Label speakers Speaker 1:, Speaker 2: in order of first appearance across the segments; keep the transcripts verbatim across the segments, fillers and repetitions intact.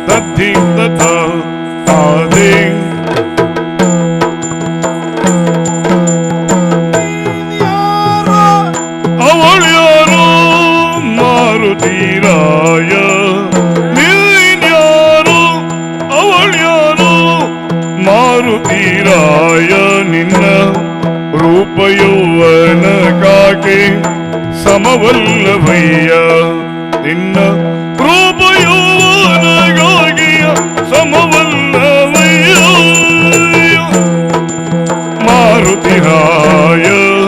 Speaker 1: ತದ್ದಿ ತಥ ತಾದೇ ಅವಳ್ಯಾರೋ ಮಾರುತೀರಾಯ ನೀನ್ಯಾರೋ ಅವಳ್ಯಾರೋ ಮಾರುತೀರಾಯ ನಿನ್ನ ರೂಪಯೌವನಕ್ಕಾಗಿ ಸಮವಲ್ಲವಯ್ಯ ನಿನ್ನ ರೂಪಯೌವನಕ್ಕಾಗಿ ಸಮವಲ್ಲವಯ್ಯ ಮಾರುತಿರಾಯ.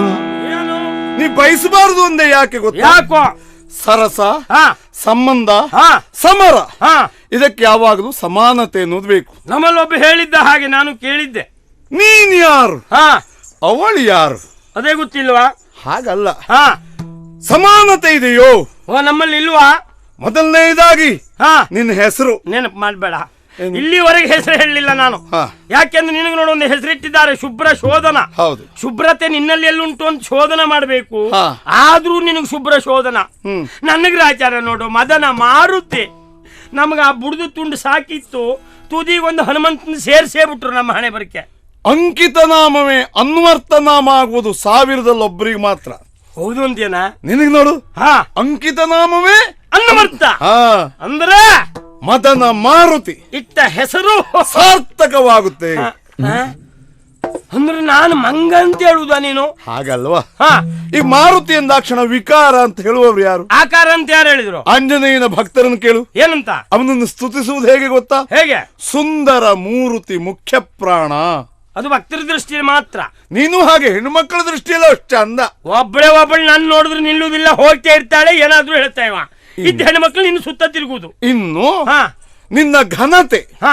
Speaker 2: ನೀ ಬಯಸಬಾರದು ಒಂದೇ ಯಾಕೆ ಗೊತ್ತಾ?
Speaker 3: ಯಾಕೋ?
Speaker 2: ಸರಸ,
Speaker 3: ಹಾ
Speaker 2: ಸಂಬಂಧ,
Speaker 3: ಹಾ
Speaker 2: ಸಮರ,
Speaker 3: ಹಾ
Speaker 2: ಇದಕ್ಕೆ ಯಾವಾಗಲೂ ಸಮಾನತೆ ಅನ್ನೋದು ಬೇಕು.
Speaker 3: ನಮ್ಮಲ್ಲೊಬ್ಬ ಹೇಳಿದ್ದ ಹಾಗೆ ನಾನು ಕೇಳಿದ್ದೆ.
Speaker 2: ನೀನ್ ಯಾರು,
Speaker 3: ಹಾ
Speaker 2: ಅವಳು ಯಾರು,
Speaker 3: ಅದೇ ಗೊತ್ತಿಲ್ವಾ?
Speaker 2: ಹಾಗಲ್ಲ.
Speaker 3: ಹಾ
Speaker 2: ಸಮಾನತೆ ಇದೆಯೋ?
Speaker 3: ಓ ನಮ್ಮಲ್ಲಿ ಇಲ್ವಾ?
Speaker 2: ಮೊದಲನೇದಾಗಿ
Speaker 3: ಹಾ
Speaker 2: ನಿನ್ನ ಹೆಸರು
Speaker 3: ನೆನಪು ಮಾಡ್ಬೇಡ. ಇಲ್ಲಿವರೆಗೆ ಹೆಸರು ಹೇಳಲಿಲ್ಲ ನಾನು.
Speaker 2: ಹಾ.
Speaker 3: ಯಾಕೆಂದ್ರೆ ನಿನಗೆ ನೋಡು ಒಂದು ಹೆಸರಿಟ್ಟಿದ್ದಾರೆ, ಶುಭ್ರ ಶೋಧನ.
Speaker 2: ಹೌದು.
Speaker 3: ಶುಭ್ರತೆ ನಿನ್ನಲ್ಲಿ ಎಲ್ಲುಂಟು ಅಂತ ಶೋಧನ ಮಾಡಬೇಕು.
Speaker 2: ಹಾ.
Speaker 3: ಆದ್ರೂ ನಿನಗೆ ಶುಭ್ರ ಶೋಧನ.
Speaker 2: ಹ್ಮ್.
Speaker 3: ನನಗೆ ಆಚಾರ ನೋಡು ಮದನ ಮಾರುತಿ. ನಮ್ಗ ಆ ಬುಡ್ದು ತುಂಡು ಸಾಕಿತ್ತು, ತುದಿಗೊಂದು ಹನುಮಂತನ ಸೇರ್ಸೇ ಬಿಟ್ರು ನಮ್ಮ ಹಣೆ ಬರಕ್ಕೆ.
Speaker 2: ಅಂಕಿತ ನಾಮವೇ ಅನ್ವರ್ಥ ನಾಮ ಆಗುವುದು ಸಾವಿರದಲ್ಲಿ ಒಬ್ಬರಿಗೆ ಮಾತ್ರ.
Speaker 3: ಹೌದು ಅಂತೇನಾ?
Speaker 2: ನಿನಗೆ ನೋಡು,
Speaker 3: ಹಾ
Speaker 2: ಅಂಕಿತ ನಾಮವೇ
Speaker 3: ಅನ್ನಮರ್ಥ.
Speaker 2: ಹಾ
Speaker 3: ಅಂದ್ರೆ
Speaker 2: ಮದನ ಮಾರುತಿ
Speaker 3: ಇಟ್ಟ ಹೆಸರು
Speaker 2: ಸಾರ್ಥಕವಾಗುತ್ತೆ.
Speaker 3: ಹಾ? ಅಂದ್ರೆ ನಾನು ಮಂಗ ಅಂತ ಹೇಳುದ ನೀನು?
Speaker 2: ಹಾಗಲ್ವಾ?
Speaker 3: ಹಾ
Speaker 2: ಈ ಮಾರುತಿ ಎಂದಾಕ್ಷಣ ವಿಕಾರ ಅಂತ ಹೇಳುವವರು ಯಾರು?
Speaker 3: ಆಕಾರ ಅಂತ ಯಾರು ಹೇಳಿದ್ರು?
Speaker 2: ಆಂಜನೇಯನ ಭಕ್ತರನ್ನು ಕೇಳು.
Speaker 3: ಏನಂತ?
Speaker 2: ಅವನನ್ನು ಸ್ತುತಿಸುವುದು ಹೇಗೆ ಗೊತ್ತಾ?
Speaker 3: ಹೇಗೆ?
Speaker 2: ಸುಂದರ ಮೂರುತಿ ಮುಖ್ಯ ಪ್ರಾಣ.
Speaker 3: ಅದು ಭಕ್ತರ ದೃಷ್ಟಿಯಲ್ಲಿ ಮಾತ್ರ.
Speaker 2: ನೀನು ಹಾಗೆ ಹೆಣ್ಣು ಮಕ್ಕಳ ದೃಷ್ಟಿಯಲ್ಲ ಅಷ್ಟು ಚಂದ.
Speaker 3: ಒಬ್ಬಳೆ ಒಬ್ಬಳು ನಾನು ನೋಡಿದ್ರೆ ನಿಲ್ಲುವುದಿಲ್ಲ, ಹೋಗ್ತಾ ಇರ್ತಾಳೆ, ಏನಾದ್ರೂ ಹೇಳ್ತಾ ಇವ. ಇದ್ದ ಹೆಣ್ಣು ಮಕ್ಕಳು ನಿನ್ನ ಸುತ್ತ ತಿರುಗುವುದು.
Speaker 2: ಇನ್ನು
Speaker 3: ಹಾ
Speaker 2: ನಿನ್ನ ಘನತೆ.
Speaker 3: ಹಾ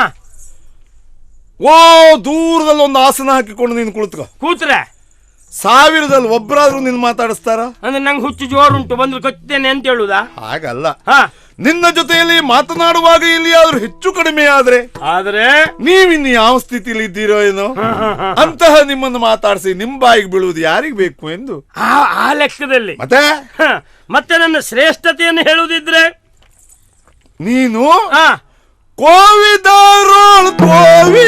Speaker 2: ಓ ದೂರದಲ್ಲಿ ಒಂದು ಆಸನ ಹಾಕಿಕೊಂಡು ನೀನು ಕುಳಿತುಕೋ.
Speaker 3: ಕೂತ್ರೆ
Speaker 2: ಸಾವಿರದಲ್ಲಿ ಒಬ್ಬರಾದ್ರೂ ನಿನ್ ಮಾತಾಡಿಸ್ತಾರ?
Speaker 3: ಅಂದ್ರೆ ನಂಗೆ ಹುಚ್ಚು ಜೋರುಂಟು, ಬಂದ್ರೆ ಕಚ್ಚುತ್ತೇನೆ ಅಂತ ಹೇಳುದಾ?
Speaker 2: ಹಾಗಲ್ಲ.
Speaker 3: ಹಾ
Speaker 2: ನಿನ್ನ ಜೊತೆಯಲ್ಲಿ ಮಾತನಾಡುವಾಗ ಇಲ್ಲಿ ಆದ್ರೂ ಹೆಚ್ಚು ಕಡಿಮೆ ಆದ್ರೆ
Speaker 3: ಆದ್ರೆ
Speaker 2: ನೀವಿನ್ನು ಯಾವ ಸ್ಥಿತಿಲಿ ಇದ್ದೀರೋ ಏನೋ ಅಂತಹ ನಿಮ್ಮನ್ನು ಮಾತಾಡಿಸಿ ನಿಮ್ ಬಾಯಿಗೆ ಬೀಳುವುದು ಯಾರಿಗ್ ಬೇಕು ಎಂದು
Speaker 3: ಆ ಆ ಲೆಕ್ಕದಲ್ಲಿ
Speaker 2: ಮತ್ತೆ
Speaker 3: ಹ, ಮತ್ತೆ ನನ್ನ ಶ್ರೇಷ್ಠತೆಯನ್ನು ಹೇಳುವುದಿದ್ರೆ
Speaker 2: ನೀನು
Speaker 3: ಹಾ
Speaker 2: ಕೋವಿದಾರೋಳ್ ಕೋವಿ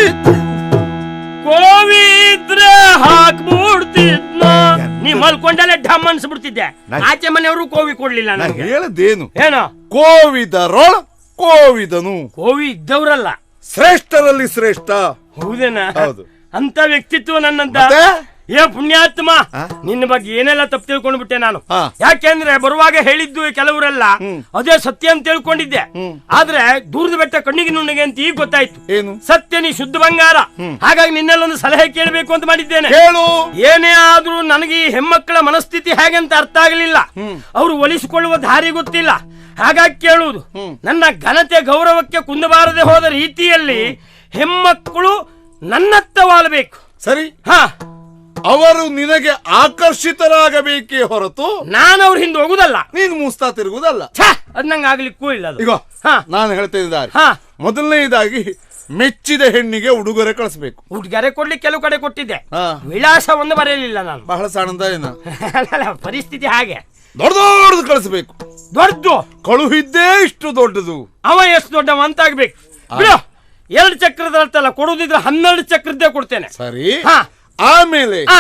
Speaker 3: ಕೋವಿ ಇದ್ರೆ ಹಾಕ್ಬಿಡ್ತಿದ್ನ. ನೀ ಮಲ್ಕೊಂಡಲ್ಲೇ ಢಮ್ ಅನ್ಸ್ಬಿಡ್ತಿದ್ದೆ. ಆಚೆ ಮನೆಯವರು ಕೋವಿ ಕೊಡ್ಲಿಲ್ಲ ನನಗೆ.
Speaker 2: ಹೇಳದೇನು?
Speaker 3: ಏನೋ
Speaker 2: ಕೋವಿದರೋಳ್ ಕೋವಿದನು.
Speaker 3: ಕೋವಿ ಇದ್ದವ್ರಲ್ಲ,
Speaker 2: ಶ್ರೇಷ್ಠರಲ್ಲಿ ಶ್ರೇಷ್ಠ.
Speaker 3: ಹೌದೇನಾ?
Speaker 2: ಹೌದು.
Speaker 3: ಅಂತ ವ್ಯಕ್ತಿತ್ವ ನನ್ನಂತ.
Speaker 2: ಮತ್ತೆ?
Speaker 3: ಏ ಪುಣ್ಯಾತ್ಮ, ನಿನ್ನ ಬಗ್ಗೆ ಏನೆಲ್ಲ ತಪ್ಪು ತಿಳ್ಕೊಂಡು ಬಿಟ್ಟೆ ನಾನು.
Speaker 2: ಹಾ.
Speaker 3: ಯಾಕೆಂದ್ರೆ ಬರುವಾಗ ಹೇಳಿದ್ದು ಕೆಲವರೆಲ್ಲ ಅದೇ ಸತ್ಯ ಅಂತ ತಿಳ್ಕೊಂಡಿದ್ದೆ. ಆದ್ರೆ ದೂರದ ಬೆಟ್ಟ ಕಣ್ಣಿಗೆ ನುಣ್ಣಗೆ ಅಂತ ಈಗ ಗೊತ್ತಾಯ್ತು.
Speaker 2: ಏನು?
Speaker 3: ಸತ್ಯ ನೀ ಶುದ್ಧ ಬಂಗಾರ. ಹಾಗಾಗಿ ನಿನ್ನೆಲ್ಲೊಂದು ಸಲಹೆ ಕೇಳಬೇಕು ಅಂತ ಮಾಡಿದ್ದೇನೆ.
Speaker 2: ಹೇಳು.
Speaker 3: ಏನೇ ಆದ್ರೂ ನನಗೆ ಈ ಹೆಣ್ಮಕ್ಕಳ ಮನಸ್ಥಿತಿ ಹೇಗೆ ಅಂತ ಅರ್ಥ ಆಗಲಿಲ್ಲ. ಅವರು ಒಲಿಸಿಕೊಳ್ಳುವ ದಾರಿ ಗೊತ್ತಿಲ್ಲ. ಹಾಗಾಗಿ ಕೇಳುವುದು, ನನ್ನ ಘನತೆ ಗೌರವಕ್ಕೆ ಕುಂದಬಾರದೆ ಹೋದ ರೀತಿಯಲ್ಲಿ ಹೆಣ್ಮಕ್ಕಳು ನನ್ನತ್ತ ವಾಲಬೇಕು.
Speaker 2: ಸರಿ.
Speaker 3: ಹಾ,
Speaker 2: ಅವರು ನಿನಗೆ ಆಕರ್ಷಿತರಾಗಬೇಕೇ ಹೊರತು
Speaker 3: ನಾನು ಅವ್ರ ಹಿಂದೆ ಹೋಗುದಲ್ಲ,
Speaker 2: ನೀನು ಮೂಸ್ತಾ ತಿರುಗುದಲ್ಲ.
Speaker 3: ಅದ್ ನಂಗೆ ಆಗ್ಲಿಕ್ಕೂ ಇಲ್ಲ ಅದು.
Speaker 2: ಈಗ
Speaker 3: ಹಾ.
Speaker 2: ನಾನು ಹೇಳ್ತಾ ಇದ್ದಾರೆ,
Speaker 3: ಹಾ.
Speaker 2: ಮೊದಲನೇದಾಗಿ ಮೆಚ್ಚಿದ ಹೆಣ್ಣಿಗೆ ಉಡುಗೊರೆ ಕಳಿಸ್ಬೇಕು.
Speaker 3: ಉಡ್ಗೊರೆ ಕೊಡ್ಲಿಕ್ಕೆ ಕೆಲವು ಕಡೆ ಕೊಟ್ಟಿದ್ದೆ,
Speaker 2: ಹಾ.
Speaker 3: ವಿಳಾಸ ಒಂದು ಬರೆಯಲಿಲ್ಲ ನಾನು.
Speaker 2: ಬಹಳ ಸಣ್ಣದ ಏನು,
Speaker 3: ಅಲ್ಲ, ಪರಿಸ್ಥಿತಿ ಹಾಗೆ.
Speaker 2: ದೊಡ್ಡ ದೊಡ್ಡದು ಕಳಿಸ್ಬೇಕು.
Speaker 3: ದೊಡ್ಡದು
Speaker 2: ಕಳುಹಿದ್ದೇ ಇಷ್ಟು ದೊಡ್ಡದು.
Speaker 3: ಅವ ಎಷ್ಟು ದೊಡ್ಡವ ಅಂತ ಆಗ್ಬೇಕು. ಬಿಡು, ಎರಡು ಚಕ್ರದ ಅರ್ಥಲ್ಲ, ಕೊಡುದಿದ್ರೆ ಹನ್ನೆರಡು ಚಕ್ರದ್ದೇ ಕೊಡ್ತೇನೆ.
Speaker 2: ಸರಿ.
Speaker 3: ಹಾ.
Speaker 2: ಆಮೇಲೆ
Speaker 3: ಆ,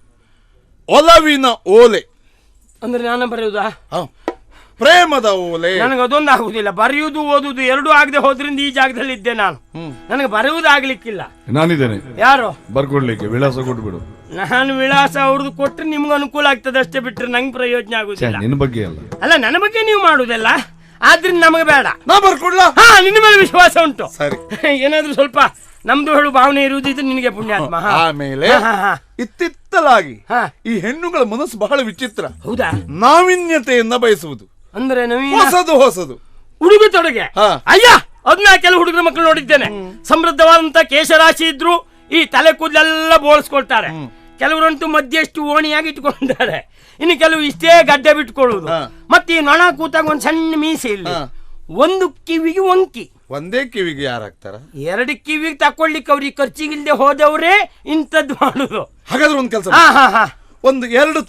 Speaker 2: ಒಲವಿನ ಓಲೆ.
Speaker 3: ಅಂದ್ರೆ ನಾನು ಬರೆಯುವುದಾ?
Speaker 2: ಹ. ಪ್ರೇಮದ ಓಲೆ.
Speaker 3: ನನಗೆ ಅದೊಂದು ಆಗುದಿಲ್ಲ. ಬರೆಯುವುದು ಓದುದು ಎರಡೂ ಆಗದೆ ಹೋದ್ರಿಂದ ಈ ಜಾಗದಲ್ಲಿ ಇದ್ದೆ ನಾನು. ನನಗೆ ಬರೆಯುವುದು ಆಗ್ಲಿಕ್ಕಿಲ್ಲ.
Speaker 1: ನಾನಿದ್ದೇನೆ
Speaker 3: ಯಾರು
Speaker 1: ಬರ್ಕೊಡ್ಲಿಕ್ಕೆ, ವಿಳಾಸ ಕೊಟ್ಬಿಡು.
Speaker 3: ನಾನು ವಿಳಾಸ ಅವ್ರದ್ದು ಕೊಟ್ರೆ ನಿಮ್ಗೆ ಅನುಕೂಲ ಆಗ್ತದೆ ಅಷ್ಟೇ, ಬಿಟ್ರೆ ನಂಗೆ ಪ್ರಯೋಜನ ಆಗುದಿಲ್ಲ.
Speaker 1: ನಿನ್ನ ಬಗ್ಗೆ ಅಲ್ಲ.
Speaker 3: ಅಲ್ಲ, ನನ್ನ ಬಗ್ಗೆ ನೀವು ಮಾಡುದಲ್ಲ, ಆದ್ರಿಂದ ನಮಗೆ ಬೇಡ.
Speaker 2: ನಾ ಬರ್ಕೊಡ್ಲಾ?
Speaker 3: ಹಾ, ನಿನ್ನ ಮೇಲೆ ವಿಶ್ವಾಸ ಉಂಟು.
Speaker 2: ಸರಿ.
Speaker 3: ಏನಾದ್ರೂ ಸ್ವಲ್ಪ ನಮ್ದು ಹೇಳು ಭಾವನೆ ಇರುವುದಿದ್ರೆ ನಿನಗೆ ಪುಣ್ಯಾತ್ಮ. ಹಾ.
Speaker 2: ಆಮೇಲೆ
Speaker 3: ಹಾ, ಹಾ.
Speaker 2: ಇತ್ತಿತ್ತಲಾಗಿ
Speaker 3: ಹಾ.
Speaker 2: ಈ ಹೆಣ್ಣುಗಳ ಮನಸ್ಸು ಬಹಳ ವಿಚಿತ್ರ.
Speaker 3: ಹೌದಾ?
Speaker 2: ನಾವಿನ್ಯತೆಯನ್ನ ಬಯಸುವುದು,
Speaker 3: ಅಂದ್ರೆ ನವೀನ
Speaker 2: ಹೊಸದು ಹೊಸದು
Speaker 3: ಉಡುಗೆ ತೊಡುಗೆ.
Speaker 2: ಹಾ.
Speaker 3: ಅಯ್ಯ, ಅದನ್ನ ಕೆಲವು ಹುಡುಗರ ಮಕ್ಕಳು ನೋಡಿದ್ದೇನೆ. ಸಮೃದ್ಧವಾದಂತ ಕೇಶರಾಶಿ ಇದ್ರು ಈ ತಲೆ ಕೂದಲೆಲ್ಲ ಬೋಳಿಸ್ಕೊಳ್ತಾರೆ. ಕೆಲವರಂತೂ ಮಧ್ಯಷ್ಟು ಓಣಿಯಾಗಿ ಇಟ್ಕೊಂಡಿದ್ದಾರೆ. ಇನ್ನು ಕೆಲವು ಇಷ್ಟೇ ಗಡ್ಡೆ ಬಿಟ್ಕೊಳ್ಳುವುದು. ಮತ್ತೆ ಈ ನೊಣ ಕೂತಾಗ ಒಂದ್ ಸಣ್ಣ ಮೀಸೆ ಇಲ್ಲಿ, ಒಂದು ಕಿವಿಗೆ ಒಂಕಿ.
Speaker 2: ಒಂದೇ ಕಿವಿಗೆ ಯಾರಾಗ್ತಾರ?
Speaker 3: ಎರಡು ಕಿವಿಗೆ ತಕೊಳ್ಳಿಕ್ಕೆ ಅವ್ರಿಗೆ ಖರ್ಚಿಗಿಲ್ದೆ ಹೋದವ್ರೆ ಇಂಥದ್ದು ಮಾಡುದು.
Speaker 2: ಹಾಗಾದ್ರೆ ಒಂದ್ ಕೆಲಸ,
Speaker 3: ಹಾ ಹಾ ಹಾ
Speaker 2: ಒಂದು ಎರಡು